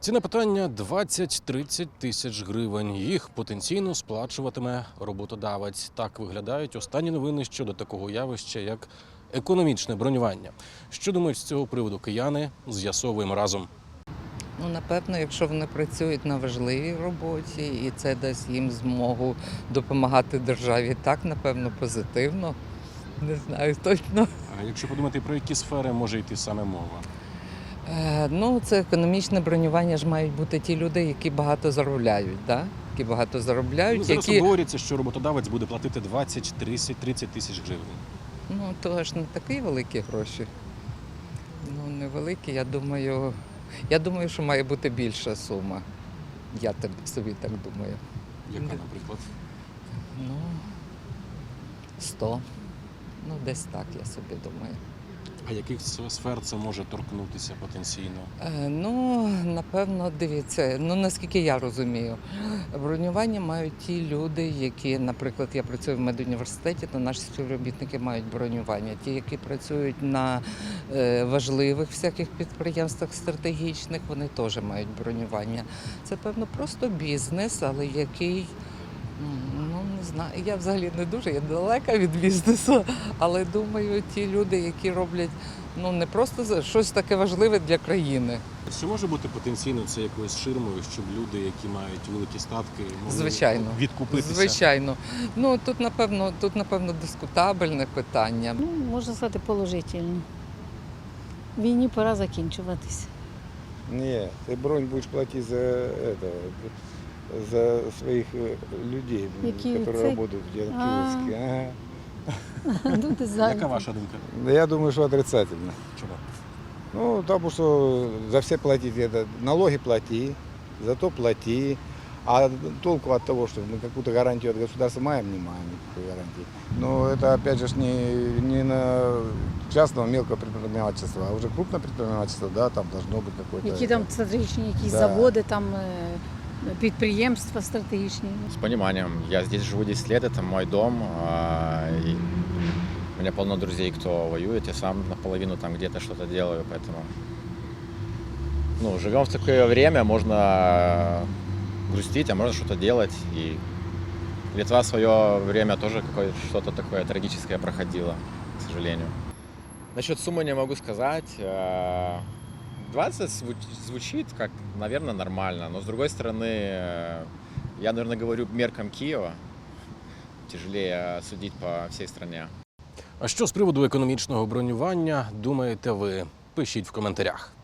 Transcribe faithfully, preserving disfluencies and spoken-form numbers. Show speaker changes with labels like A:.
A: Ціна питання – двадцять-тридцять тисяч гривень. Їх потенційно сплачуватиме роботодавець. Так виглядають останні новини щодо такого явища, як економічне бронювання. Що думають з цього приводу кияни, з'ясовуємо разом.
B: Ну, напевно, якщо вони працюють на важливій роботі і це дасть їм змогу допомагати державі, так, напевно, позитивно. Не знаю точно.
A: А якщо подумати, про які сфери може йти саме мова?
B: Е, ну, це економічне бронювання ж мають бути ті люди, які багато заробляють, да? Які багато заробляють,
A: Ну, зараз
B: які...
A: говориться, що роботодавець буде платити двадцять-тридцять тисяч гривень.
B: Ну, то ж не такі великі гроші. Ну, невеликі, я думаю, я думаю, що має бути більша сума. Я так- собі так думаю.
A: Яка, наприклад?
B: Ну, сто. Ну, десь так, я собі думаю.
A: А яких сфер це може торкнутися потенційно?
B: Е, ну, напевно, дивіться, ну, наскільки я розумію, бронювання мають ті люди, які, наприклад, я працюю в медуніверситеті, то наші співробітники мають бронювання. Ті, які працюють на е, важливих всяких підприємствах стратегічних, вони теж мають бронювання. Це, певно, просто бізнес, але який... Ну, не знаю, я взагалі не дуже, я далека від бізнесу, але думаю, ті люди, які роблять ну, не просто за- щось таке важливе для країни.
A: Чи може бути потенційно це якоюсь ширмою, щоб люди, які мають великі статки, могли
B: Звичайно.
A: відкупитися?
B: Звичайно. Ну, тут, напевно, тут, напевно, дискутабельне питання.
C: Ну, можна сказати, положительно. Війні пора закінчуватись.
D: Нет, ты бронь будешь платить за это, за своих э, людей, м,
C: Какие
D: которые
C: ци-
D: работают в
C: А.
D: Киевске. Ага.
C: Люди
A: Яка
C: зайняті.
A: ваша думка?
D: Да я думаю, что отрицательно.
A: Чому?
D: Ну, потому что за все платить это, налоги плати, зато плати. А толку от того, что мы какую-то гарантию от государства маем, не маем никакой гарантии. Но это опять же ж не, не на частного мелкого предпринимательства, а уже крупное предпринимательство, да, там должно быть какое-то...
C: Які там стратегічні якісь
D: Да.
C: заводи, там е, підприємства стратегічні.
E: С пониманием. Я здесь живу десять лет, это мой дом. а, и у меня полно друзей, кто воюет. Я сам наполовину там где-то что-то делаю, поэтому... Ну, живем в такое время, можно грустить, а можно что-то делать. И Литва в свое время тоже какое- что-то такое трагическое проходила, к сожалению. Насчет суммы не могу сказать. Э, двадцать звуч- звучит как, наверное, нормально, но с другой стороны, э, я, наверное, говорю меркам Киева. Тяжелее судить по всей стране.
A: А що з приводу економічного бронювання думаєте ви? Пишіть в коментарях.